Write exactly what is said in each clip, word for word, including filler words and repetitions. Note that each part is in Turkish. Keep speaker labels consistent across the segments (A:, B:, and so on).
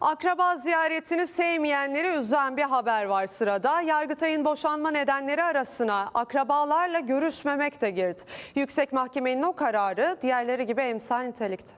A: Akraba ziyaretini sevmeyenleri üzen bir haber var sırada. Yargıtay'ın boşanma nedenleri arasına akrabalarla görüşmemek de girdi. Yüksek Mahkemenin o kararı diğerleri gibi emsal nitelikte.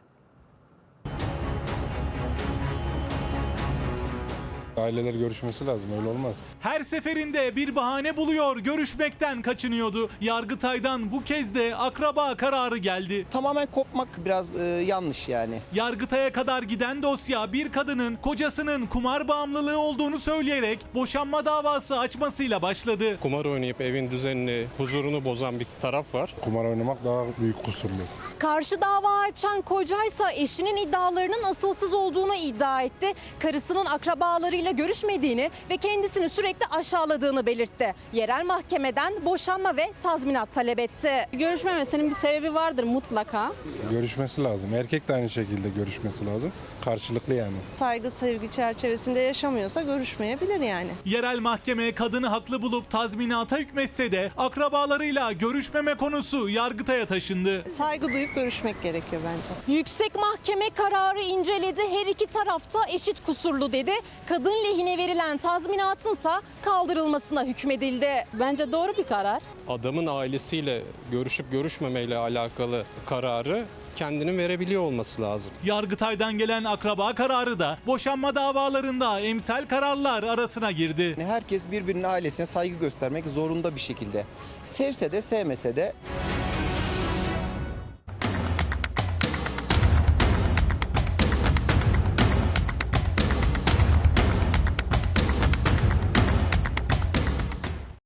B: Aileler görüşmesi lazım, öyle olmaz.
C: Her seferinde bir bahane buluyor, görüşmekten kaçınıyordu. Yargıtay'dan bu kez de akraba kararı geldi.
D: Tamamen kopmak biraz e, yanlış yani.
C: Yargıtay'a kadar giden dosya bir kadının kocasının kumar bağımlılığı olduğunu söyleyerek boşanma davası açmasıyla başladı.
E: Kumar oynayıp evin düzenini, huzurunu bozan bir taraf var.
B: Kumar oynamak daha büyük kusurlu.
F: Karşı dava açan kocaysa eşinin iddialarının asılsız olduğunu iddia etti. Karısının akrabalarıyla görüşmediğini ve kendisini sürekli aşağıladığını belirtti. Yerel mahkemeden boşanma ve tazminat talep etti.
G: Görüşmemesinin bir sebebi vardır mutlaka.
B: Görüşmesi lazım. Erkek de aynı şekilde görüşmesi lazım. Karşılıklı yani.
H: Saygı, sevgi çerçevesinde yaşamıyorsa görüşmeyebilir yani.
C: Yerel mahkeme kadını haklı bulup tazminata hükmetse de akrabalarıyla görüşmeme konusu Yargıtay'a taşındı.
H: Saygı duyup görüşmek gerekiyor bence.
F: Yüksek Mahkeme kararı inceledi. Her iki tarafta eşit kusurlu dedi. Kadın lehine verilen tazminatınsa kaldırılmasına hükmedildi.
G: Bence doğru bir karar.
E: Adamın ailesiyle görüşüp görüşmemeyle alakalı kararı kendinin verebiliyor olması lazım.
C: Yargıtay'dan gelen akraba kararı da boşanma davalarında emsal kararlar arasına girdi.
D: Herkes birbirinin ailesine saygı göstermek zorunda bir şekilde. Sevse de sevmese de.